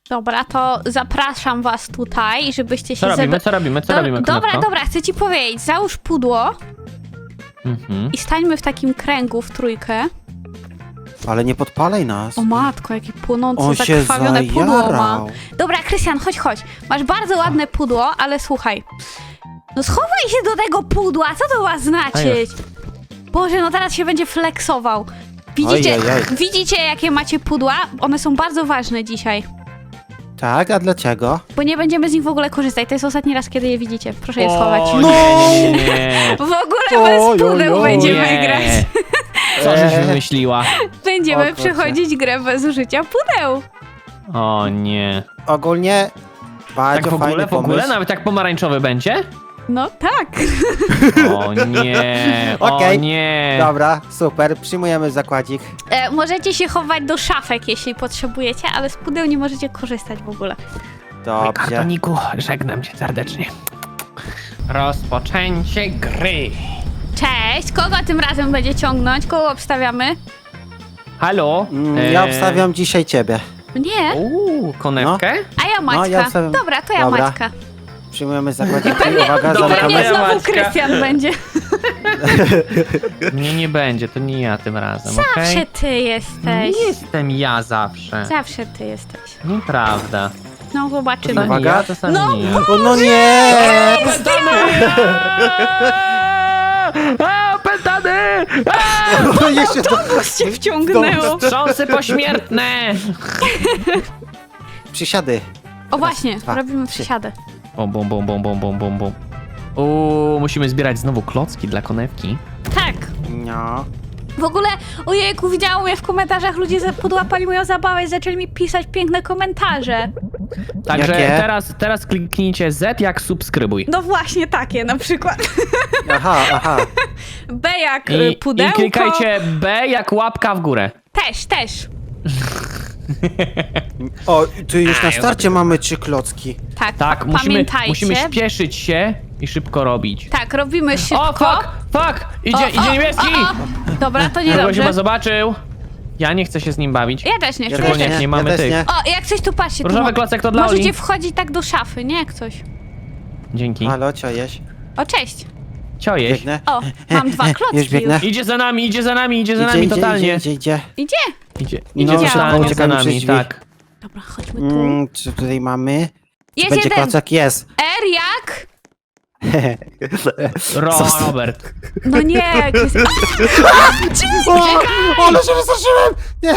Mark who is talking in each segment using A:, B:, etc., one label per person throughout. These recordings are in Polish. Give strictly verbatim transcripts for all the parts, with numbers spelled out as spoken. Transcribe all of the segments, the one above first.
A: Dobra, to zapraszam was tutaj, żebyście się...
B: Co robimy,
A: zebe-
B: co robimy, co
A: Do-
B: robimy,
A: Dobra,
B: Konopko?
A: dobra, chcę ci powiedzieć, załóż pudło
B: Mhm.
A: i stańmy w takim kręgu w trójkę.
C: Ale nie podpalaj nas.
A: O matko, jakie płonące,
C: On się
A: zakrwawione pudło ma.
C: zajarał.
A: Dobra, Krystian, chodź, chodź. Masz bardzo ładne pudło, ale słuchaj. No schowaj się do tego pudła, co to ma znaczyć? Boże, no teraz się będzie flexował. Widzicie,
C: Ojej, oj.
A: widzicie, jakie macie pudła? One są bardzo ważne dzisiaj.
C: Tak, a dlaczego?
A: Bo nie będziemy z nich w ogóle korzystać. To jest ostatni raz, kiedy je widzicie. Proszę je
B: O,
A: schować.
C: No!
B: nie, nie, nie.
A: W ogóle
C: Oj,
A: bez
C: oj,
A: pudeł
C: oj.
A: będziemy
B: Nie.
A: grać.
B: Co żeś
C: Eee.
B: wymyśliła?
A: Będziemy
C: O kurczę.
A: przechodzić grę bez użycia pudeł.
B: O nie.
C: Ogólnie bardzo
B: Tak w ogóle,
C: fajny
B: w ogóle?
C: pomysł.
B: Nawet tak pomarańczowy będzie?
A: No tak.
B: O nie, o
C: Okej.
B: nie.
C: Dobra, super, przyjmujemy zakładzik.
A: E, możecie się chować do szafek, jeśli potrzebujecie, ale z pudeł nie możecie korzystać w ogóle.
C: Dobrze.
B: Kartoniku, żegnam cię serdecznie. Rozpoczęcie gry.
A: Cześć, kogo tym razem będzie ciągnąć? Kogo obstawiamy?
B: Halo?
C: Mm, Ja
B: Eee,
C: obstawiam dzisiaj ciebie.
A: Nie,
B: Uuu, konewkę?
A: a ja Maćka.
C: No, ja obstawiam-
A: Dobra, to ja
C: Dobra.
A: Maćka.
C: Przyjmujemy zakładzik. Uwaga,
B: Dobra,
C: zamykamy.
A: Pewnie
B: ja
A: znowu
B: Maćka.
A: Krystian będzie.
B: Mnie nie będzie, to nie ja tym razem, okej?
A: Zawsze ty jesteś.
B: Nie jestem ja zawsze.
A: Zawsze ty jesteś.
B: Nieprawda.
A: No zobaczymy.
B: Czasami
C: Uwaga.
B: ja, czasami
A: No,
B: nie.
C: O, no nie!
B: A, pętany!
C: O, jeszcze to...
A: Autobus cię wciągnęło.
B: Wstrząsy pośmiertne!
C: Przysiady.
A: O właśnie,
C: dwa,
A: robimy
C: trzy.
A: przysiadę.
B: Bom, bom, bom, bom, bom, bom, bom, bom. Uuu, musimy zbierać znowu klocki dla konewki.
A: Tak.
C: No.
A: W ogóle, ojejku, widziałam mnie w komentarzach, ludzie za- podłapali moją zabawę i zaczęli mi pisać piękne komentarze.
B: Także
C: Jakie?
B: teraz, teraz kliknijcie Z jak subskrybuj.
A: No właśnie takie na przykład.
C: Aha, aha.
A: B jak y,
B: I,
A: pudełko.
B: I klikajcie B jak łapka w górę.
A: Też, też.
C: O, tu już
B: A,
C: na
B: ja
C: starcie mamy trzy klocki.
A: Tak,
B: Tak, musimy,
A: pamiętajcie.
B: musimy śpieszyć się i szybko robić.
A: Tak, robimy szybko.
B: O, fuck, fuck! Idzie,
A: O,
B: idzie
A: o,
B: niebieski!
A: o, o. Dobra, to
B: Kogoś
A: niedobrze.
B: chyba zobaczył. Ja nie chcę się z nim bawić.
A: Ja też nie chcę.
B: Szczególnie
A: Ja
B: jak
A: też.
B: nie mamy
C: ja też
B: tych.
C: nie.
A: O, jak coś tu patrzcie. Tu
B: Różowy
A: mo-
B: klocek to dla
A: Możecie
B: Oli.
A: wchodzić tak do szafy, nie jak coś.
B: Dzięki.
C: Halo, co jeść?
A: O, cześć.
B: Ciojeś.
C: Biegnę.
A: O, mam dwa klocki
C: Już biegnę.
B: Idzie za nami, idzie za nami, idzie za
C: Idzie,
B: nami
C: idzie,
B: totalnie.
C: Idzie, idzie, idzie.
A: Idzie.
B: Idzie,
C: No,
B: idzie
A: szybko
B: totalnie za
C: uciekamy przez
B: nami,
C: drzwi.
B: tak.
A: Dobra, chodźmy tu.
C: Mm, co tutaj mamy? Czy
A: Jest
C: będzie
A: jeden.
C: klocek? Jest.
A: R jak?
B: Ro
C: Zostaw.
B: Robert.
A: No nie, Krystian.
C: O, ale się wystraszyłem! Nie!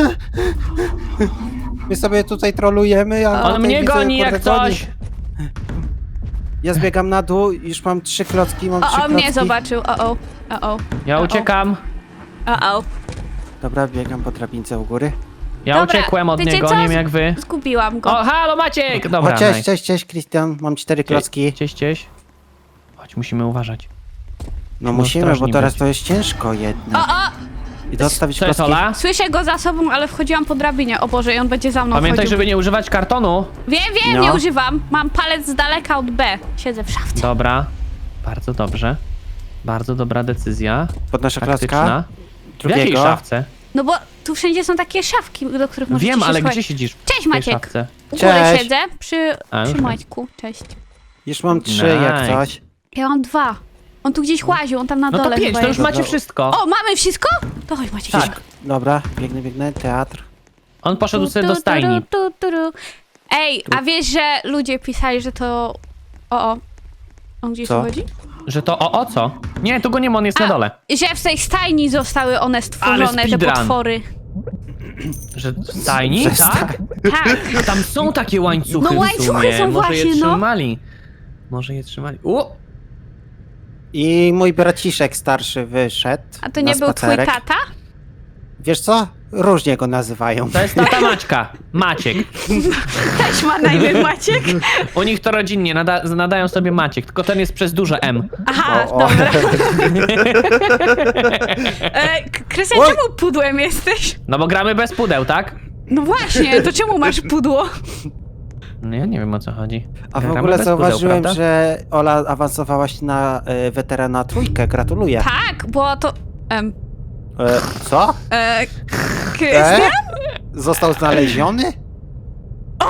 C: My sobie tutaj trolujemy, a
B: On
C: tutaj
B: mnie
C: widzę,
B: goni
C: kurde,
B: jak coś.
C: Ja zbiegam na dół, już mam trzy klocki, mam trzy
A: O, o,
C: klocki.
A: mnie zobaczył. O, o, o, o.
B: Ja
A: O, o.
B: uciekam.
A: O, o.
C: Dobra, biegam po drabince u góry.
B: Ja
A: Dobra,
B: uciekłem od
A: wiecie
B: niego,
A: co?
B: nie wiem jak wy.
A: Zgubiłam go.
B: O, halo Maciek! Dobra,
C: o, cześć,
B: nice.
C: cześć, cześć, Krystian, mam cztery klocki.
B: Cześć, cześć. Chodź, musimy uważać.
C: No
B: No,
C: musimy, bo
B: strasznie
C: teraz
B: być.
C: to jest ciężko
A: O,
C: jedno.
A: o!
C: I dostawić
B: Co jest,
C: klocki.
B: Ola?
A: Słyszę go za sobą, ale wchodziłam po drabinie. O Boże, i on będzie za mną
B: Pamiętaj,
A: chodził.
B: żeby nie używać kartonu.
A: Wiem, wiem,
C: No.
A: nie używam. Mam palec z daleka od B. Siedzę w szafce.
B: Dobra. Bardzo dobrze. Bardzo dobra decyzja.
C: Podnoszę klocka.
B: Taktyczna. W jakiej
C: Drugiego.
B: szafce?
A: No bo tu wszędzie są takie szafki, do których możecie
B: Wiem,
A: się
B: ale
A: schować.
B: gdzie siedzisz? W
A: Cześć,
B: tej
A: Maciek.
B: szafce?
A: U góry
C: Cześć.
A: siedzę, przy,
B: A,
A: przy
B: już
A: Maćku. Cześć.
C: Już mam trzy
B: Nice.
C: jak coś.
A: Ja mam dwa. On tu gdzieś łaził, on tam na
B: No
A: dole
B: to pięć,
A: chyba
B: to już
A: jest.
B: macie wszystko.
A: O, mamy wszystko? To chodź Maciek.
B: Tak.
C: Dobra, biegnę, biegnę, teatr.
B: On poszedł
A: Tu,
B: sobie
A: tu,
B: do stajni.
A: tu, tu, tu, tu. Ej, a wiesz, że ludzie pisali, że to... O, o. On gdzieś
C: Co?
A: tu chodzi?
B: Że to o, o co? Nie, tu go nie ma, on jest na
A: A,
B: dole.
A: Że w tej stajni zostały one stworzone, te
B: speedrun.
A: potwory.
B: Że w stajni?
C: Że
B: Tak?
A: Tak.
B: A tam są takie łańcuchy
A: No
B: w
A: łańcuchy
B: sumie.
A: są
B: Może je
A: właśnie, no.
B: trzymali. Może je trzymali. U!
C: I mój braciszek starszy wyszedł
A: A to
C: na
A: nie był twój
C: spacerek.
A: tata?
C: Wiesz co? Różnie go nazywają.
B: To jest tata Maćka. Maciek.
A: Też ma na imię Maciek?
B: U nich to rodzinnie, nada nadają sobie Maciek, tylko ten jest przez duże M.
A: Aha,
C: O, o.
A: dobra. E, K- Krystian,
C: Oj.
A: czemu pudłem jesteś?
B: No bo gramy bez pudeł, tak?
A: No właśnie, to czemu masz pudło?
B: No ja nie wiem o co chodzi.
C: A w
B: Gramy
C: ogóle
B: bez pudeł,
C: zauważyłem,
B: prawda?
C: że Ola awansowałaś na y, weterana trójkę. Gratuluję.
A: Tak, bo to... Em,
C: E, co?
A: e,
C: E?
A: Krystian?
C: Został znaleziony?
A: O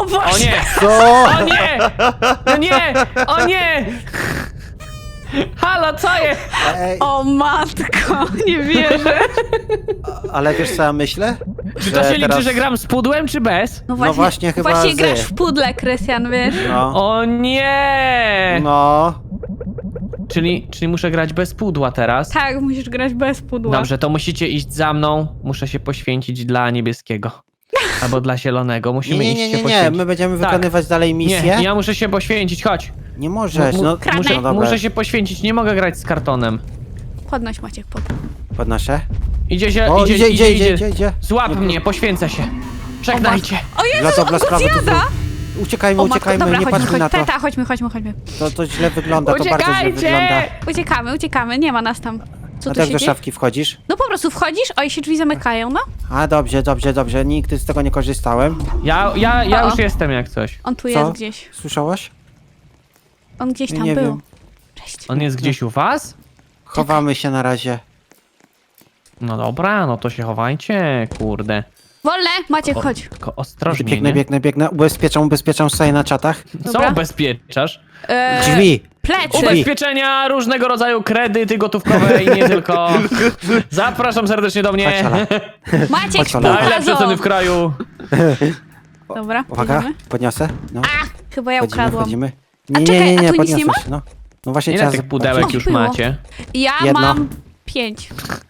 A: O Boże!
B: O nie!
C: Co?
B: O nie! No nie! O nie! Halo, co jest?
C: Ej,
A: O matko, nie wierzę.
C: ale wiesz co ja myślę?
B: Czy to
C: Że
B: się liczy,
C: teraz-
B: że gram z pudłem, czy bez?
A: No właśnie,
C: właśnie chyba
A: właśnie
C: z-
A: grasz w pudle, Krystian, wiesz?
C: No,
B: O nie!
C: no.
B: Czyli, czyli muszę grać bez pudła teraz?
A: Tak, musisz grać bez pudła.
B: Dobrze, to musicie iść za mną. Muszę się poświęcić dla niebieskiego. Albo dla zielonego.
C: Nie,
B: Musimy
C: nie,
B: iść
C: nie,
B: się
C: nie, nie,
B: poświęcić.
C: my będziemy
B: Tak.
C: wykonywać dalej misję.
B: Nie, ja muszę się poświęcić, chodź.
C: Nie możesz,
B: Mu-
C: no.
A: Kradnę.
B: Muszę,
C: No dobra,
B: muszę się poświęcić, nie mogę grać z kartonem.
A: Podnoś Maciek pod.
C: podnoszę.
B: Idzie się,
C: O,
B: idzie,
C: idzie, idzie, idzie, idzie, idzie.
B: Złap mnie, poświęcę się. Żegnajcie.
A: O Jezu,
C: Dla dobra
A: on go
C: sprawy, to
A: zjada!
C: Uciekajmy,
A: O matko,
C: uciekajmy,
A: dobra,
C: nie
A: chodźmy,
C: patrzmy na
A: chodźmy.
C: to.
A: Teta, chodźmy, chodźmy, chodźmy.
C: To, to źle wygląda, to bardzo źle
B: Uciekajcie!
C: wygląda.
A: Uciekamy, uciekamy, nie ma nas tam. Co
C: A
A: tu
C: tak
A: się
C: do
A: dzieje?
C: szafki wchodzisz?
A: No po prostu wchodzisz, o i się drzwi zamykają, no.
C: A dobrze, dobrze, dobrze, nigdy z tego nie korzystałem.
B: Ja, ja, ja
A: O, o.
B: już jestem jak coś.
A: On tu
C: Co?
A: jest gdzieś.
C: Słyszałaś?
A: On gdzieś
C: Ja
A: tam
C: nie
A: był.
C: wiem.
A: Cześć.
B: On jest gdzieś u was?
C: Chowamy się na razie.
B: No dobra, no to się chowajcie, kurde.
A: Wolne, Maciek,
B: O,
A: chodź.
B: Tylko ostrożnie,
C: Biegnę,
B: nie?
C: biegnę, biegnę. Ubezpieczam, ubezpieczam sobie na czatach.
B: Co
A: Dobra.
B: ubezpieczasz?
A: Eee,
C: Drzwi!
A: Plecy.
C: Drzwi.
B: Ubezpieczenia, różnego rodzaju kredyty gotówkowe i nie tylko. Zapraszam serdecznie do mnie.
C: Chodź, Ola.
A: Maciek,
C: Chodź, Ola.
B: Najlepsze ceny
A: spółka
B: w kraju.
A: Dobra,
C: Uwaga,
A: jedziemy.
C: podniosę. No,
A: A, chyba ja
C: wchodzimy,
A: ukradłam.
C: wchodzimy.
A: A
C: Nie,
A: czekaj,
C: nie, nie,
A: a
C: nie,
A: tu nic nie
C: podniosę się, no. No właśnie
B: Ile
C: trzeba
B: tych pudełek
A: O,
B: już
A: było.
B: macie?
A: Ja
C: Jedno.
A: mam pięć.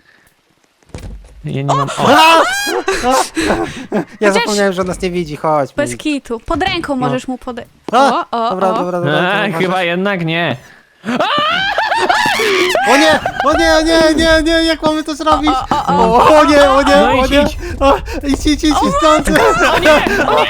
B: Ja nie mam... O,
C: Ja
A: Chociaż-
C: zapomniałem, że on nas nie widzi, chodź.
A: Bez kitu. Pod ręką możesz mu podać.
C: A,
A: O, o,
C: dobra,
A: o.
C: dobra, dobra.
B: e,
C: dobra,
B: chyba jednak nie.
C: O nie, o nie, nie, nie, nie, jak mamy to zrobić?
A: O, o,
C: O, o nie, o nie,
B: No
C: o
B: idź,
C: nie.
B: idź.
C: O, idź, idź, idź, stąd.
B: O nie! O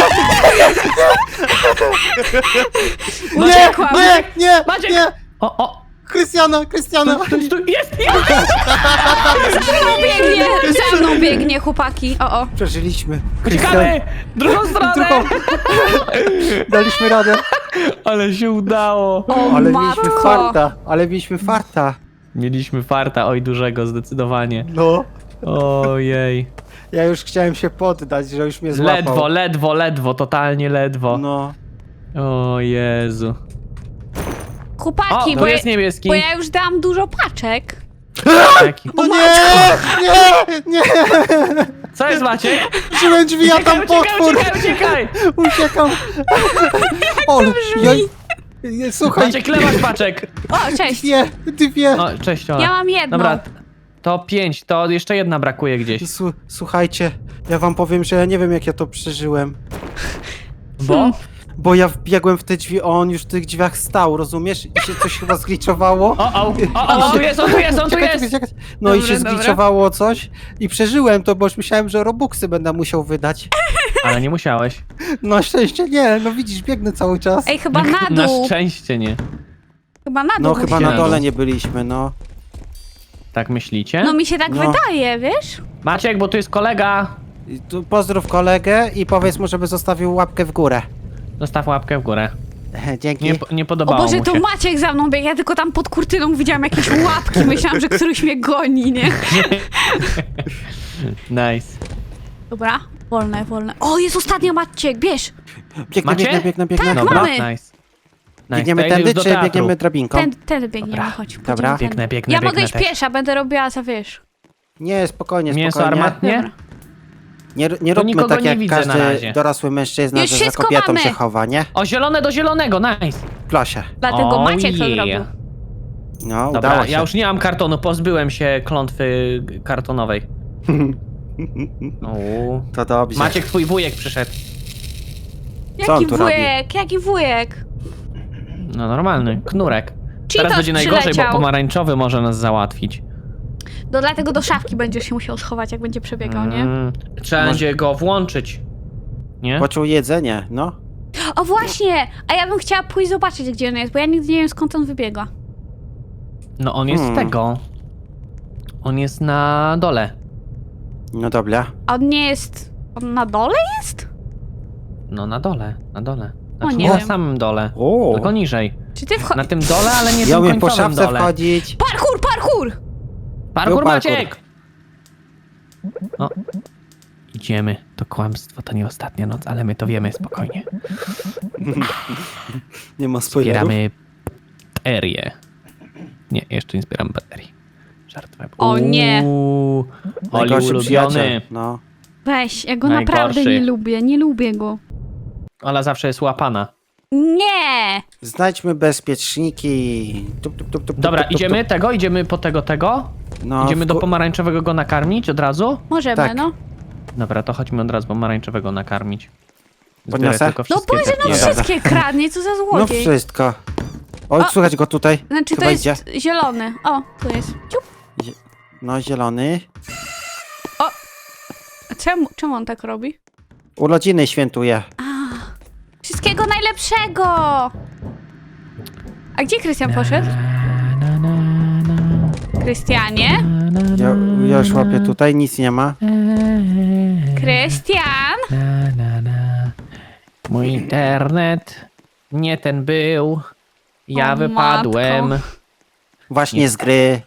B: nie!
C: Nie,
A: Uciekłam.
C: nie, nie,
B: Maciek!
C: nie.
B: O, o!
C: Krystiana, Krystiana.
B: Tu, tu, jest! Jest!
A: Za mną biegnie, za mną biegnie, chłopaki. O, o.
C: Przeżyliśmy.
B: Uciekamy! Drugą stronę!
C: Drugą. Daliśmy radę.
B: Ale się udało.
A: O,
C: Ale
A: matko.
C: mieliśmy farta, ale mieliśmy farta.
B: Mieliśmy farta, oj dużego, zdecydowanie.
C: No.
B: Ojej.
C: Ja już chciałem się poddać, że już mnie złapał.
B: Ledwo, ledwo, ledwo, totalnie ledwo.
C: No.
B: O Jezu. O,
A: Chłopaki,
B: tu
A: bo, ja,
B: jest niebieski.
A: bo ja już dałam dużo paczek.
B: Jaki?
C: No nie, nie, nie.
B: Co jest Maciek?
C: Żyłem drzwi, a
B: Uciekaj,
C: tam
B: uciekaj,
C: potwór.
B: uciekaj, uciekaj!
C: Uciekam. O, ja, ja, słuchaj,
B: Maciek, lewasz paczek.
A: O, cześć.
C: dwie, dwie.
B: O, cześć Ola.
A: Ja mam jedną.
B: Dobra, to pięć, to jeszcze jedna brakuje gdzieś.
C: Słu- Słuchajcie, ja wam powiem, że ja nie wiem jak ja to przeżyłem.
B: Bo?
C: Bo ja wbiegłem w te drzwi, a on już w tych drzwiach stał, rozumiesz? I się coś chyba zgliczowało.
B: O, o, o, o, on tu jest, on tu jest, on tu
C: Czekaj,
B: jest!
C: czekaj, czekaj. No i
A: Dobra,
C: się
A: dobra.
C: zgliczowało coś i przeżyłem to, bo już myślałem, że robuxy będę musiał wydać.
B: Ale nie musiałeś.
C: No szczęście nie, no widzisz, biegnę cały czas.
A: Ej, chyba na
B: Na
A: dół.
B: szczęście nie.
A: Chyba na dół.
C: No chyba
A: musimy
C: na
B: na
C: dole
B: dół.
C: nie byliśmy, no.
B: Tak myślicie?
A: No mi się tak
C: No.
A: wydaje, wiesz?
B: Maciek, bo tu jest kolega.
C: I tu pozdrów kolegę i powiedz mu, żeby zostawił łapkę w górę.
B: Zostaw łapkę w górę.
C: Dzięki.
B: Nie, nie
A: O
B: podobało
A: Boże,
B: mu
A: to
B: się.
A: Maciek za mną biegł, ja tylko tam pod kurtyną widziałam jakieś łapki, myślałam, że któryś mnie goni, nie?
B: Nice.
A: Dobra, wolne, wolne. O, jest ostatnia Maciek, bierz!
C: Biegnę,
B: Macie?
C: biegnę, biegnę, biegnę.
A: Tak,
B: Dobra,
A: mamy.
B: nice. nice.
C: Biegniemy
B: to ja idę
C: tędy,
B: już do
C: czy
B: teatru.
C: biegniemy drabinką?
A: Ten, ten biegniemy,
B: Dobra.
A: chodź. pójdziemy
C: Dobra.
A: tędy.
B: Biegnę, biegnę,
A: Ja
B: biegnę
A: mogę iść
B: też.
A: piesza, będę robiła za, wiesz.
C: Nie, spokojnie,
B: Mięso
C: spokojnie.
B: armatnie?
A: Dobra.
C: Nie, nie róbmy
B: nikogo
C: tak
B: nie
C: jak
B: widzę na
C: każdy
B: razie.
C: dorosły mężczyzna,
A: Już
C: że
A: się
C: za kobietą
A: schowamy.
C: się chowa, nie?
B: O, zielone do zielonego, nice.
C: Klosie.
A: Dlatego
B: Oh,
A: Maciek to
B: yeah.
A: zrobił.
C: No,
B: Dobra,
C: udało się.
B: ja już nie mam kartonu, pozbyłem się klątwy kartonowej. Uuu.
C: To dobrze.
B: Maciek, twój wujek przyszedł.
C: Co on
A: Jaki
C: tu robi?
A: wujek, jaki wujek?
B: No normalny, knurek.
A: Cheetos
B: Teraz będzie najgorzej, bo
A: przyleciał.
B: pomarańczowy może nas załatwić.
A: No dlatego do szafki będziesz się musiał schować, jak będzie przebiegał, nie?
B: Mm, trzeba
C: Może-
B: będzie go włączyć. Nie?
C: Poczuł jedzenie, no.
A: O właśnie! A ja bym chciała pójść zobaczyć, gdzie on jest, bo ja nigdy nie wiem, skąd on wybiega.
B: No on jest z
C: Hmm.
B: tego. On jest na dole.
C: No dobra.
A: A on nie jest... On na dole jest?
B: No na dole, na dole. Znaczy,
A: nie
B: na
A: wiem.
B: samym dole.
C: O,
B: Tylko niżej.
A: Czy ty wcho...
B: Na tym dole, ale nie
C: ja
B: tym
C: umiem po
B: końcowym
C: szafce
B: dole.
C: wchodzić.
A: Parkour, parkour!
B: Parkour
C: Był parkour.
B: Maciek! O. Idziemy. To kłamstwo, to nie ostatnia noc, ale my to wiemy spokojnie.
C: Nie ma spoilerów.
B: Zbieramy baterie. Nie, jeszcze nie zbieram baterii. Żartowałem.
A: O nie.
B: Uuu, Oli
C: Najgorszy przyjaciel.
B: ulubiony.
C: No.
A: Weź, ja go
B: Najgorszy.
A: naprawdę nie lubię, nie lubię go.
B: Ola zawsze jest łapana.
A: Nie!
C: Znajdźmy bezpieczniki. Tup, tup, tup, tup,
B: Dobra,
C: tup, tup,
B: idziemy tego, idziemy po tego, tego.
C: tup. No,
B: Idziemy do
C: wku-
B: pomarańczowego go nakarmić od razu.
A: Możemy,
C: Tak.
A: no.
B: Dobra, to chodźmy od razu pomarańczowego nakarmić. Zbieraj
C: Podniosę?
B: tylko
A: No
B: wszystkie
A: Boże,
B: te-
A: no
B: Nie,
C: dobra.
A: wszystkie kradnie, co za
C: No
A: złodziej.
C: wszystko. Oj,
A: O!
C: słychać go tutaj.
A: Znaczy
C: Chyba
A: to jest
C: idzie.
A: zielony. O, tu jest. Ciup.
C: No, zielony.
A: A Czemu, czemu on tak robi?
C: Urodziny świętuje.
A: Wszystkiego najlepszego! A gdzie Krystian poszedł?
B: Na, na, na,
A: Krystianie?
B: na, na,
C: Ja,
B: na,
C: ja już łapię tutaj, nic nie ma.
A: Krystian?
B: Na, na, na. Mój internet nie ten był. Ja
A: O,
B: wypadłem.
A: matko.
C: Właśnie z gry.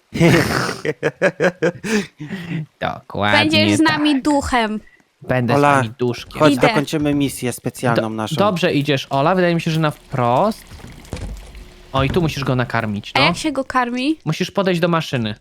B: Dokładnie.
A: Będziesz z
B: tak.
A: nami duchem.
B: Będę
C: Ola,
B: z nami duszkiem.
C: Chodź,
A: Idę.
C: dokończymy misję specjalną naszą.
B: Dobrze idziesz, Ola. Wydaje mi się, że na wprost. O, i tu musisz go nakarmić,
A: A
B: no.
A: jak się go karmi?
B: Musisz podejść do maszyny.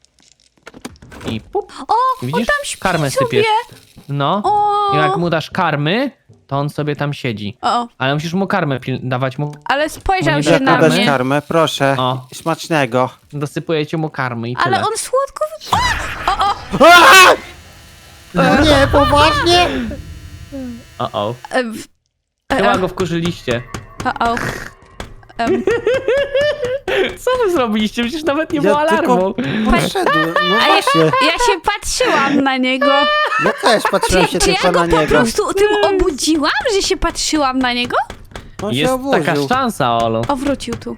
B: I pup.
A: O,
B: Widzisz?
A: on tam śpi
B: Karmę
A: sobie.
B: sypiesz. No.
A: O,
B: I jak mu dasz karmy, to on sobie tam siedzi.
A: o,
B: Ale musisz mu karmę pil- dawać mu.
A: ale spojrzał
B: Nie
A: się
C: Jak
B: da
A: na
C: podać
A: mnie.
C: karmę, proszę.
B: O.
C: Smacznego.
B: Dosypujecie mu karmy i tyle.
A: Ale on słodko... wy-
C: No nie, poważnie?
B: O, o.
A: Em,
B: Chyba
A: e,
B: go wkurzyliście.
A: o, o. Em,
B: Co wy zrobiliście? Przecież nawet nie
C: Ja
B: było alarmu.
C: tylko poszedłem, no
A: A ja,
C: właśnie.
A: ja się patrzyłam na niego.
C: Ja też patrzyłem się
A: Czy, czy ja
C: tylko
A: go
C: na
A: po
C: niego.
A: prostu tym obudziłam, że się patrzyłam na niego?
C: On się
B: Jest taka
C: oburzył.
B: szansa, Olu.
A: O, wrócił tu.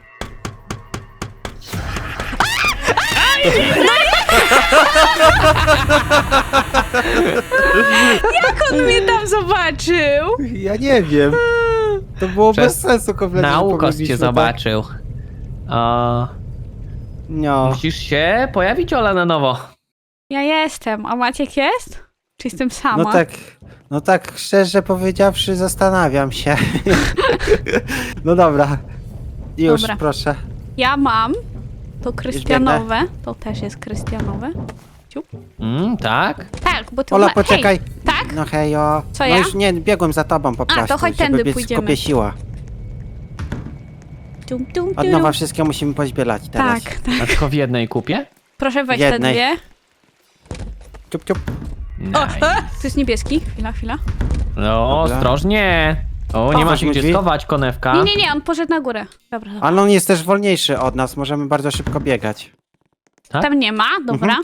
A: Jak on mnie tam zobaczył?
C: Ja nie wiem. To było
B: Przez
C: bez sensu kompletnie. że
B: Naukos
C: pobiegliśmy,
B: cię
C: tak?
B: zobaczył. O,
C: No.
B: musisz się pojawić, Ola, na nowo.
A: Ja jestem, a Maciek jest? Czy jestem sama?
C: No tak, no tak szczerze powiedziawszy zastanawiam się. No dobra. Już,
A: Dobra.
C: proszę.
A: Ja mam. To krystianowe. To też jest krystianowe.
B: Mm, tak?
A: Tak, bo to
C: Ola,
A: ma...
C: poczekaj.
A: Hej, tak?
C: No hejo.
A: Co
C: no
A: ja?
C: już nie, biegłem za tobą po
A: to
C: prostu,
A: chodź
C: żeby
A: tędy
C: biec
A: pójdziemy.
C: w kupie siła.
A: Tum, tum,
C: Od
A: tum.
C: nowa wszystkie musimy pozbierać teraz.
A: Tak, tak.
B: A tylko w jednej kupie?
A: Proszę weź te
C: Jednej.
A: dwie.
C: Ciup, ciup.
A: O,
B: Nice.
A: e, to jest niebieski. Chwila, chwila.
B: No,
C: Dobra.
B: ostrożnie. O, nie
A: O,
B: ma się
C: weźmy
B: gdzie
C: drzwi.
B: schować, konewka.
A: Nie, nie, nie, on poszedł na górę. Dobra, dobra.
C: Ale on jest też wolniejszy od nas, możemy bardzo szybko biegać.
B: tak?
A: Tam nie ma, dobra.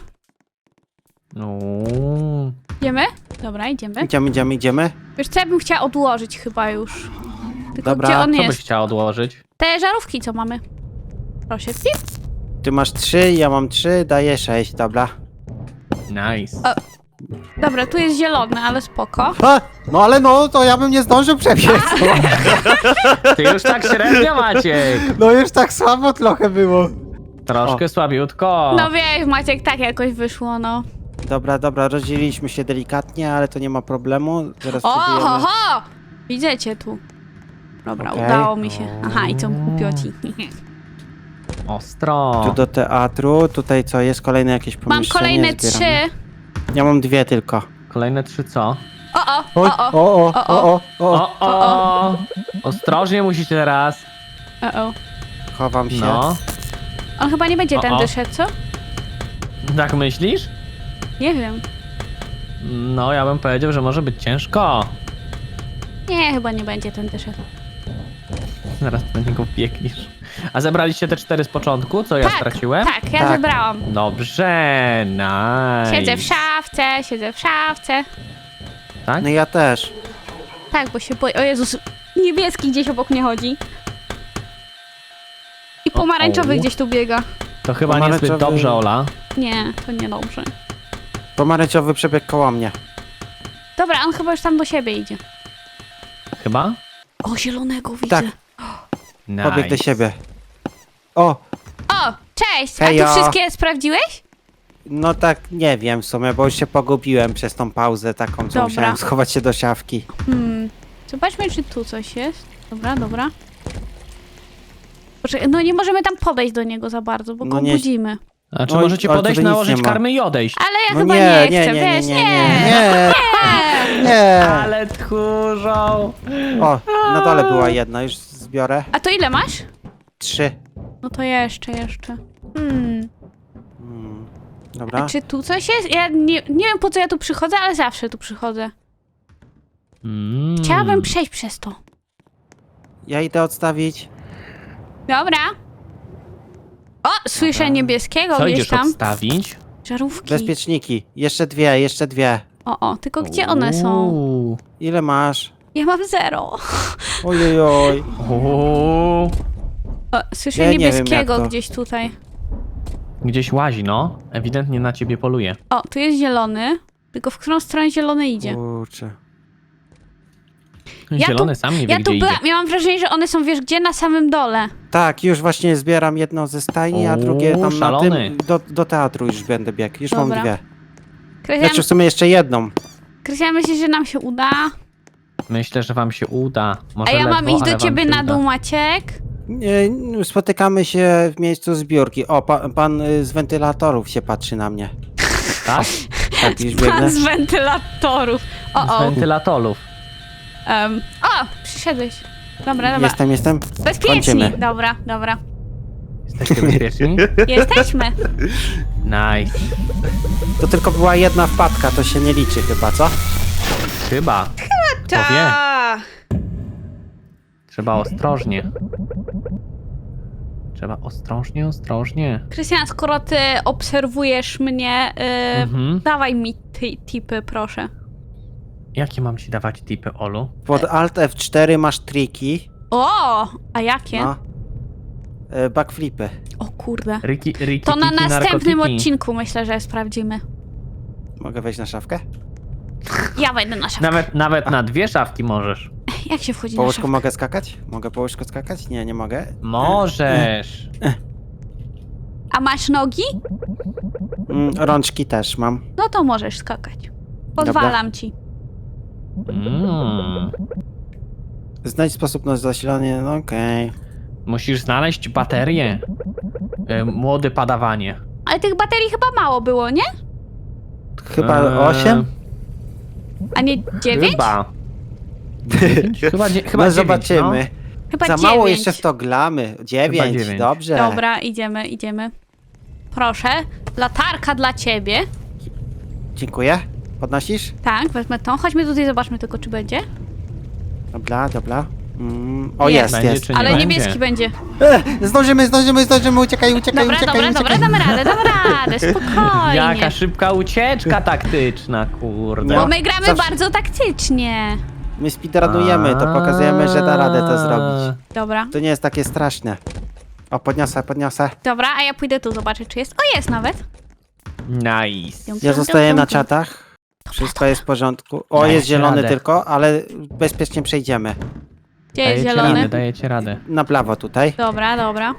B: Uuu.
A: Idziemy? Dobra, idziemy.
C: Idziemy, idziemy, idziemy.
A: Wiesz co, ja bym chciała odłożyć chyba już. Tylko
C: Dobra,
A: gdzie on
B: Co byś
A: jest?
B: chciała odłożyć?
A: Te żarówki, co mamy. Proszę, pip.
C: Ty masz trzy, ja mam trzy, daję sześć, dobra.
B: Nice.
A: O. Dobra, tu jest zielony, ale spoko.
C: Ha! No ale no, to ja bym nie zdążył przebiec.
B: Ty już tak średnio, Maciek.
C: No już tak słabo trochę było.
B: Troszkę słabiutko.
A: No wiesz, Maciek, tak jakoś wyszło, no.
C: Dobra, dobra, rozdzieliliśmy się delikatnie, ale to nie ma problemu. Zaraz
A: O,
C: spróbujemy.
A: ho, ho! Widzę cię tu. Dobra,
C: Okej.
A: udało mi się. Aha, i co, kupioci.
B: Ostro.
C: Tu do teatru, tutaj co, jest kolejne jakieś
A: Mam
C: pomieszczenie?
A: kolejne
C: zbieramy.
A: trzy.
C: Ja mam dwie tylko.
B: Kolejne trzy co?
A: O, o,
C: Oj,
A: o, o,
C: o, o, o, o, o.
B: O, o. Ostrożnie musicie teraz.
A: o, o.
C: Chowam się.
B: No.
A: On chyba nie będzie
B: O, o.
A: tędy szedł, co?
B: Tak myślisz?
A: Nie wiem.
B: No, ja bym powiedział, że może być ciężko.
A: Nie, chyba nie będzie tędy szedł.
B: Zaraz do niego biegniesz. A zebraliście te cztery z początku, co ja straciłem?
A: Tak, ja
C: Tak.
A: zebrałam.
B: Dobrze, nice.
A: Siedzę w szafce, siedzę w szafce.
B: Tak?
C: No ja też.
A: Tak, bo się boję. O Jezus, niebieski gdzieś obok mnie chodzi. I pomarańczowy
B: O, o.
A: gdzieś tu biega.
B: To chyba niezbyt
C: Pomarańczowy-
B: dobrze, Ola.
A: Nie, to nie dobrze.
C: Pomarańczowy przebieg koło mnie.
A: Dobra, on chyba już tam do siebie idzie.
B: Chyba?
A: O, zielonego widzę.
C: Tak.
B: Nice.
C: Pobieg do siebie. O,
A: O, cześć! A
C: Hejo.
A: ty wszystkie sprawdziłeś?
C: No tak, nie wiem w sumie, bo już się pogubiłem przez tą pauzę taką, co
A: Dobra.
C: musiałem schować się do szafki.
A: Hmm. Zobaczmy, czy tu coś jest. Dobra, dobra. Poczekaj, no nie możemy tam podejść do niego za bardzo, bo
C: No
A: go
C: nie-
A: budzimy.
B: Znaczy
C: Oj,
B: możecie
C: ale
B: podejść,
C: tutaj nic
B: nałożyć
C: nie ma.
B: karmy i odejść.
A: Ale ja
C: No
A: chyba
C: nie,
A: nie,
C: nie,
A: chcę,
C: nie,
A: wiesz,
C: nie,
A: nie.
C: nie,
A: nie.
C: Nie!
B: Ale tchórzą.
C: O, na dole była jedna, już zbiorę.
A: A to ile masz?
C: Trzy.
A: No to jeszcze, jeszcze. Hmm.
C: Hmm.
A: A
C: Dobra.
A: czy tu coś jest? Ja nie, nie wiem, po co ja tu przychodzę, ale zawsze tu przychodzę.
B: Mm.
A: Chciałabym przejść przez to.
C: Ja idę odstawić.
A: Dobra. O, słyszę
C: Dobra.
A: niebieskiego
B: Co
A: gdzieś
B: idziesz
A: tam.
B: odstawić?
A: Żarówki.
C: Bezpieczniki. Jeszcze dwie, jeszcze dwie.
A: O, o, tylko gdzie one są?
B: Uuu.
C: Ile masz?
A: Ja mam zero.
C: Ojojoj.
B: Uuu.
A: O, słyszę
C: Ja nie wiem, jak
A: niebieskiego
C: to.
A: gdzieś tutaj.
B: Gdzieś łazi, no. Ewidentnie na ciebie poluje.
A: O, tu jest zielony. Tylko w którą stronę zielony idzie?
C: Kurczę.
A: Ja
B: Zielony
A: tu-
B: sam nie wie,
A: Ja
B: gdzie
A: tu
B: idzie.
A: byłam, miałam wrażenie, że one są, wiesz, gdzie? Na samym dole.
C: Tak, już właśnie zbieram jedną ze stajni, a
B: O,
C: drugie tam na
B: szalony.
C: tym. Do, do teatru już będę biegł. Już
A: Dobra.
C: mam dwie.
A: Krystian,
C: Znaczy w sumie jeszcze jedną.
A: Krystian, myślisz, że nam się uda?
B: Myślę, że wam się uda. Może
A: A ja mam
B: ledwo,
A: iść
B: ale
A: do
B: wam
A: ciebie
B: się
A: na
B: uda.
A: dół, Maciek?
C: Nie, spotykamy się w miejscu zbiórki. O, pa, pan y, z wentylatorów się patrzy na mnie.
B: Tak?
C: Tak, już biegnę.
A: Pan z wentylatorów. O,
B: Z
A: o.
B: wentylatorów.
A: Um, o, przyszedłeś. Dobra, dobra.
C: Jestem, jestem.
A: Bezpieczni.
C: kończymy.
A: Dobra, dobra.
B: Jesteście bezpieczni?
A: Jesteśmy.
B: Nice.
C: To tylko była jedna wpadka, to się nie liczy chyba, co?
B: Chyba. Kto wie?
A: Ta.
B: Trzeba ostrożnie. Trzeba ostrożnie, ostrożnie.
A: Krystian, skoro ty obserwujesz mnie, yy,
B: Mhm.
A: dawaj mi ty, tipy, proszę.
B: Jakie mam ci dawać tipy, Olu?
C: Pod Alt F cztery masz triki.
A: O, a jakie?
C: No. Y, Backflipy.
A: O kurde.
B: Riki, riki,
A: To na
B: tiki,
A: następnym
B: narkotyki.
A: odcinku myślę, że sprawdzimy.
C: Mogę wejść na szafkę?
A: Ja wejdę na szafkę.
B: Nawet, nawet na dwie szafki możesz.
A: Jak się wchodzi
C: Po
A: na
C: łóżku
A: szafkę?
C: mogę skakać? Mogę po łóżku skakać? Nie, nie mogę.
B: Możesz.
A: A masz nogi?
C: Mm, rączki też mam.
A: No to możesz skakać. Pozwalam ci.
B: Mm.
C: Znajdź sposób na zasilanie, no okej.
B: Musisz znaleźć baterię. Y, Młody padawanie.
A: Ale tych baterii chyba mało było, nie?
C: Chyba
B: Eee,
C: osiem?
A: A nie dziewięć?
B: Chyba. Dziewięć? Chyba, dzie- chyba
C: No
B: dziewięć,
C: zobaczymy.
A: Chyba
C: Za
A: dziewięć.
C: mało jeszcze w to glamy. Dziewięć,
B: dziewięć.
C: dobrze.
A: Dobra, idziemy, idziemy. Proszę, latarka dla ciebie.
C: Dziękuję. Podnosisz?
A: Tak, wezmę tą. Chodźmy tutaj, zobaczmy tylko, czy będzie.
C: Dobra, dobra. Mm, o,
A: Jest.
C: jest,
B: Będzie,
C: jest.
B: czy nie
A: Ale
B: będzie?
A: niebieski będzie.
C: E, zdążymy, zdążymy, zdążymy, uciekaj, uciekaj,
A: Dobra,
C: uciekaj,
A: dobra,
C: uciekaj.
A: dobra, damy radę, damy radę, spokojnie.
B: Jaka szybka ucieczka taktyczna, kurde.
A: Bo
C: No.
A: my gramy
C: Zawsze-
A: bardzo taktycznie.
C: My speedrunujemy, to pokazujemy, że da radę to zrobić.
A: Dobra,
C: To nie jest takie straszne. O, podniosę, podniosę.
A: dobra, a ja pójdę tu zobaczyć, czy jest. O, jest nawet.
B: Nice.
C: Ja zostaję na czatach. Wszystko jest w porządku. O,
B: Dajecie
C: jest zielony
B: radę.
C: tylko, ale bezpiecznie przejdziemy.
A: Gdzie jest
B: Dajecie
A: zielony?
B: radę, dajecie radę.
C: Na prawo tutaj.
A: Dobra, dobra.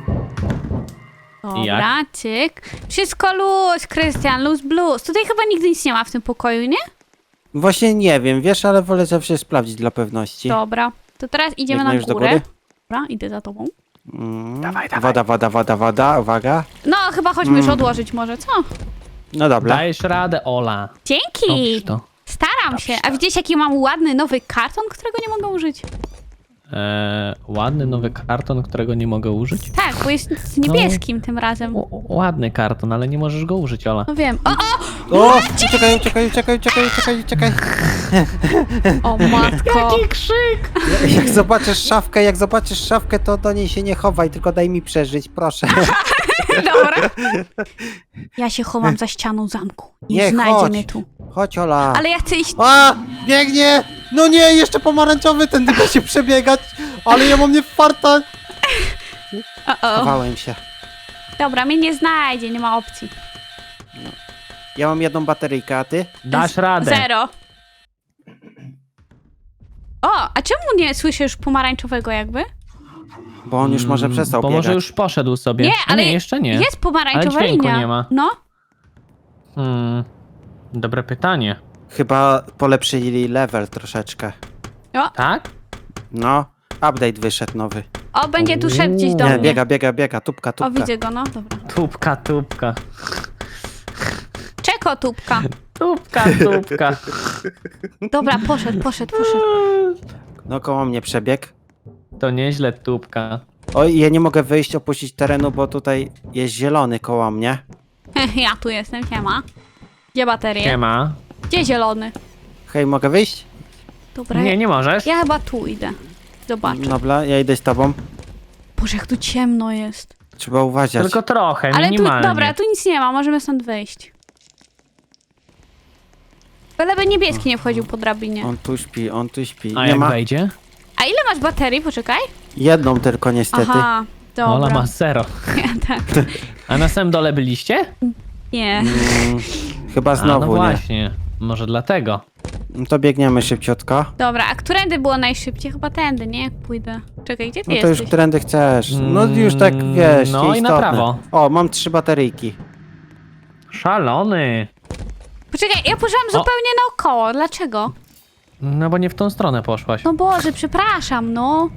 B: I jak?
A: Dobra, cyk. Wszystko luz, Krystian, luz blues. Tutaj chyba nigdy nic nie ma w tym pokoju, nie?
C: Właśnie nie wiem, wiesz, ale wolę zawsze sprawdzić dla pewności.
A: Dobra. To teraz idziemy
C: Biegnę
A: na
C: już do
A: górę.
C: góry?
A: Dobra, idę za tobą.
C: Mm.
B: Dawaj, dawaj.
C: Woda, woda, woda, woda, uwaga.
A: No, chyba chodźmy
C: Mm.
A: już odłożyć może, co?
C: No dobra.
B: Dajesz radę, Ola.
A: Dzięki!
B: Dobrze to.
A: Staram się. A widzicie, jaki mam ładny nowy karton, którego nie mogę użyć?
B: Eee, ładny nowy karton, którego nie mogę użyć.
A: Tak, bo jest z niebieskim tym razem.
B: O, o, ładny karton, ale nie możesz go użyć, Ola.
A: No wiem. O, o!
C: O! Uciekaj, uciekaj, uciekaj, uciekaj, uciekaj, uciekaj.
A: O matko.
B: krzyk!
C: Jak zobaczysz szafkę, jak zobaczysz szafkę, to do niej się nie chowaj, tylko daj mi przeżyć, proszę.
A: Dobra. Ja się chowam za ścianą zamku. Nie,
C: Nie,
A: znajdzie
C: chodź.
A: mnie tu.
C: Chodź, Ola.
A: Ale ja chcę iść...
C: A! Biegnie! No nie, jeszcze pomarańczowy, ten da się przebiegać, ale ja mam nie farta.
A: O, o.
C: Chowałem się.
A: Dobra, mnie nie znajdzie, nie ma opcji.
C: Ja mam jedną bateryjkę, a ty?
B: Dasz radę.
A: Zero. O, a czemu nie słyszę już pomarańczowego jakby?
C: Bo on już może przestał
B: Bo
C: biegać.
B: może już poszedł sobie.
A: Nie,
B: A
A: ale
B: nie, jeszcze nie.
A: Jest pomarańczowa
B: Ale dźwięku
A: linia.
B: nie ma.
A: No.
B: Hmm. Dobre pytanie.
C: Chyba polepszyli level troszeczkę.
A: O,
B: Tak?
C: No, update wyszedł nowy.
A: o, będzie tu szedł gdzieś do
C: Nie,
A: mnie.
C: biega, biega, biega, tupka,
A: O,
C: tupka.
A: widzę go, no, dobra.
B: Tupka, tupka.
A: Czeko, tubka.
B: Tupka, tupka.
A: Dobra, poszedł, poszedł, poszedł.
C: No koło mnie przebieg.
B: To nieźle tupka.
C: Oj, ja nie mogę wyjść, opuścić terenu, bo tutaj jest zielony koło mnie.
A: Ja tu jestem, siema. Gdzie baterie?
B: Siema.
A: Gdzie zielony?
C: Hej, mogę wyjść?
A: Dobra,
B: Nie, nie możesz.
A: ja chyba tu idę. Zobaczę.
C: Dobra, ja idę z tobą.
A: Boże, jak tu ciemno jest.
C: Trzeba uważać.
B: Tylko trochę,
A: Ale tu,
B: minimalnie.
A: dobra, tu nic nie ma, możemy stąd wyjść. Byleby niebieski nie wchodził po drabinie.
C: On tu śpi, on tu śpi.
B: A
C: Nie
B: jak
C: ma
B: wejdzie?
A: A ile masz baterii? Poczekaj.
C: jedną tylko niestety.
A: Aha, dobra.
B: Ola ma zero.
A: Nie, tak.
B: A na samym dole byliście?
A: Nie.
C: Mm, chyba
B: A, no
C: znowu nie.
B: właśnie. Może dlatego.
C: No to biegniemy szybciutko.
A: Dobra, a którędy było najszybciej? Chyba tędy, nie? Jak pójdę. Czekaj, gdzie ty
C: No to już
A: jesteś?
C: którędy chcesz. No już tak
B: Mm,
C: wiesz,
B: no i na
C: nieistotne.
B: prawo.
C: O, mam trzy bateryjki.
B: Szalony.
A: Poczekaj, ja poszłam zupełnie naokoło. Dlaczego?
B: No bo nie w tą stronę poszłaś.
A: No Boże, przepraszam, no.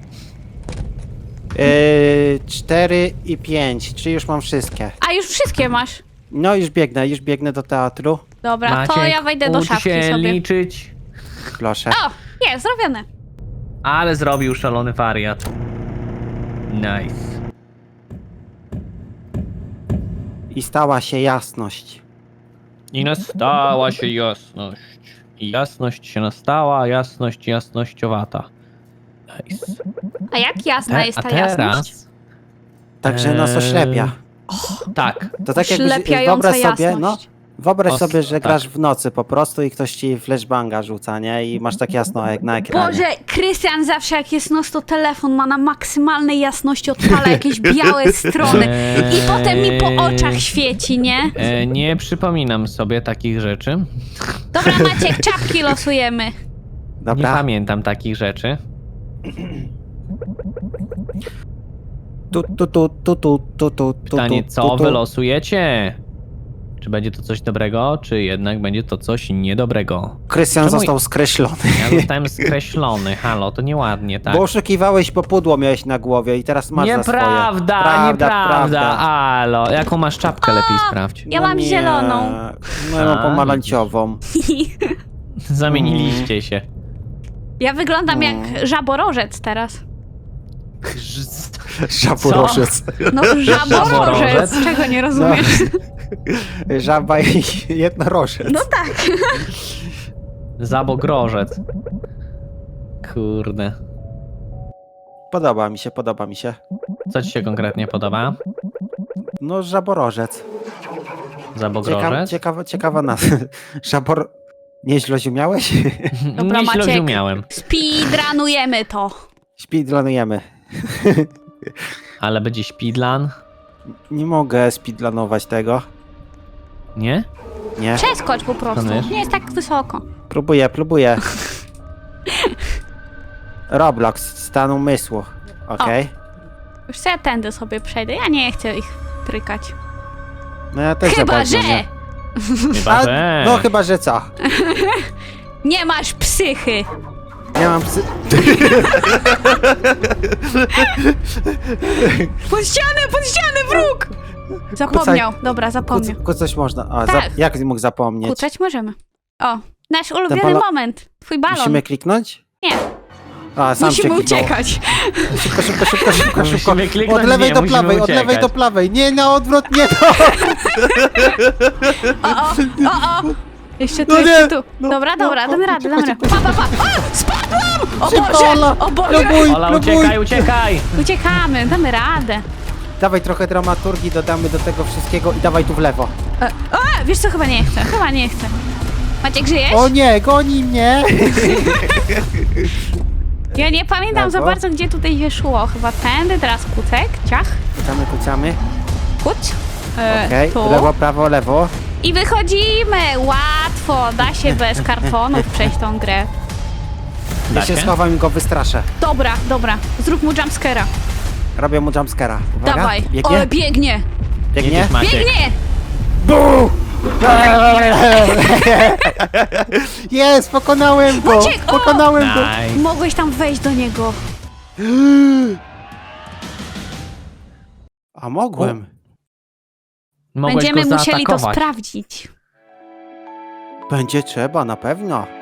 C: Yy, cztery i pięć, czy już mam wszystkie?
A: A już wszystkie masz.
C: No już biegnę, już biegnę do teatru.
A: Dobra, to
B: Maciek,
A: ja wejdę do
B: ucz
A: szafki
B: się
A: sobie.
B: liczyć.
C: Proszę.
A: O, jest, zrobione.
B: Ale zrobił szalony wariat. Nice.
C: I stała się jasność.
B: I nastała się jasność. I jasność się nastała, jasność jasnościowata. Nice.
A: A jak jasna
B: Te-
A: jest
B: a
A: ta jasność?
B: teraz...
C: Także nas
B: Eee,
C: oślepia.
B: Tak.
C: To tak jakbyś,
A: Oślepiająca
C: wyobraź sobie, no,
A: jasność.
C: wyobraź
B: Os-
C: sobie, że
B: tak.
C: grasz w nocy po prostu i ktoś ci flashbanga rzuca, nie? I masz tak jasno jak na ekranie.
A: Boże, Krystian zawsze jak jest noc, to telefon ma na maksymalnej jasności, odpala jakieś białe strony i
B: Eee,
A: potem mi po oczach świeci, nie?
B: E, nie przypominam sobie takich rzeczy.
A: Dobra, Maciek, czapki losujemy.
B: Nie
C: Dobra.
B: pamiętam takich rzeczy.
C: Tu, tu, tu, tu, tu, tu, tu,
B: Pytanie,
C: tu,
B: co
C: tu, tu.
B: wylosujecie? Czy będzie to coś dobrego, czy jednak będzie to coś niedobrego?
C: Krystian
B: Czemu-
C: został skreślony.
B: Ja zostałem skreślony, halo, to nieładnie, tak?
C: Bo oszukiwałeś, bo pudło miałeś na głowie i teraz masz za swoje.
B: Nieprawda,
C: Prawda,
B: nieprawda,
C: prawda.
B: halo. Jaką masz czapkę, lepiej sprawdź.
A: Ja mam
C: nie.
A: zieloną.
C: No ja mam
B: A,
C: pomarańczową.
B: Zamieniliście się.
A: Ja wyglądam
C: No.
A: jak żaborożec teraz.
C: Żaborożec.
A: No, żaborożec.
B: Żaborożec?
A: Czego nie rozumiesz?
C: Żaba i jednorożec.
A: No tak.
B: Zabogrożec. Kurde.
C: Podoba mi się, podoba mi się.
B: Co ci się konkretnie podoba?
C: No żaborożec. Ciekawa,
B: Zabogrożec?
C: ciekawa, ciekawa nazwa. Żabor... Nieźle ziumiałeś?
A: Dobra,
B: Nie
A: Maciek.
B: śledziumiałem,
A: Speedrunujemy to.
C: Speedlanujemy.
B: ale będzie śpidlan?
C: Nie mogę speedlanować tego.
B: Nie?
C: Nie.
A: Przeskocz po prostu.
B: Planujesz?
A: Nie jest tak wysoko.
C: Próbuję, próbuję. Roblox, stan umysłu. Okej.
A: Już co ja tędy sobie przejdę. Ja nie chcę ich trykać.
C: No ja też
A: Chyba,
C: za bardzo
A: że
C: nie.
B: Chyba,
C: A,
B: że...
C: no chyba, że co?
A: nie masz psychy.
C: Ja mam psy...
A: Pod ścianę, pod ścianę, wróg! Zapomniał. Dobra,
C: Kuc,
A: zapomniał.
C: kucać można. A, za,
A: Tak.
C: jak mógł zapomnieć?
A: Kucać możemy. O, nasz ulubiony
C: balo-
A: moment. Twój balon.
C: Musimy kliknąć?
A: Nie,
C: A, sam
A: musimy
C: się kliknął.
A: uciekać.
C: Szybko, szybko, szybko, szybko, szybko.
B: Musimy kliknąć?
C: Od lewej
B: Nie,
C: do
B: musimy
C: prawej, od lewej
B: uciekać.
C: do prawej. Nie, na odwrót, nie to.
A: O, o, o, o. Jeszcze tu,
C: No
A: jeszcze
C: nie.
A: tu.
C: No,
A: Dobra,
C: no,
A: dobra,
C: o,
A: damy radę, damy
C: szybko,
A: radę. Pa, pa, pa. O, spadłam! O
C: Szybko,
A: Boże,
C: Ola.
A: o Boże.
C: Próbuj,
B: Ola,
C: próbuj.
B: uciekaj, uciekaj!
A: Uciekamy, damy radę.
C: Dawaj trochę dramaturgii, dodamy do tego wszystkiego i dawaj tu w lewo.
A: E, o, wiesz co, chyba nie chcę, chyba nie chcę. Maciek, żyjesz?
C: O nie, goni mnie.
A: Ja nie pamiętam za
C: Lewo.
A: bardzo, gdzie tutaj się szło. Chyba tędy, teraz kucek, ciach,
C: Kucamy, kucamy.
A: kuć. E,
C: Okej,
A: tu.
C: lewo, prawo, lewo.
A: I wychodzimy! Łatwo! Da się bez kartonów przejść tą grę.
C: Ja
B: Da
C: się
B: się?
C: schowam i go wystraszę.
A: Dobra, dobra. Zrób mu jumpscare'a.
C: Robię mu jumpscare'a. Uwaga,
A: Dawaj.
C: biegnie?
A: O, biegnie!
C: Biegnie?
B: Jedziesz, Maciek.
A: Biegnie!
C: Bu! Jest, pokonałem go!
A: Maciek, o!
C: Pokonałem go!
B: Nice.
A: Mogłeś tam wejść do niego.
C: A mogłem.
B: Mogłeś
A: Będziemy
B: go
A: musieli to
B: zaatakować.
A: sprawdzić.
C: Będzie trzeba, na pewno.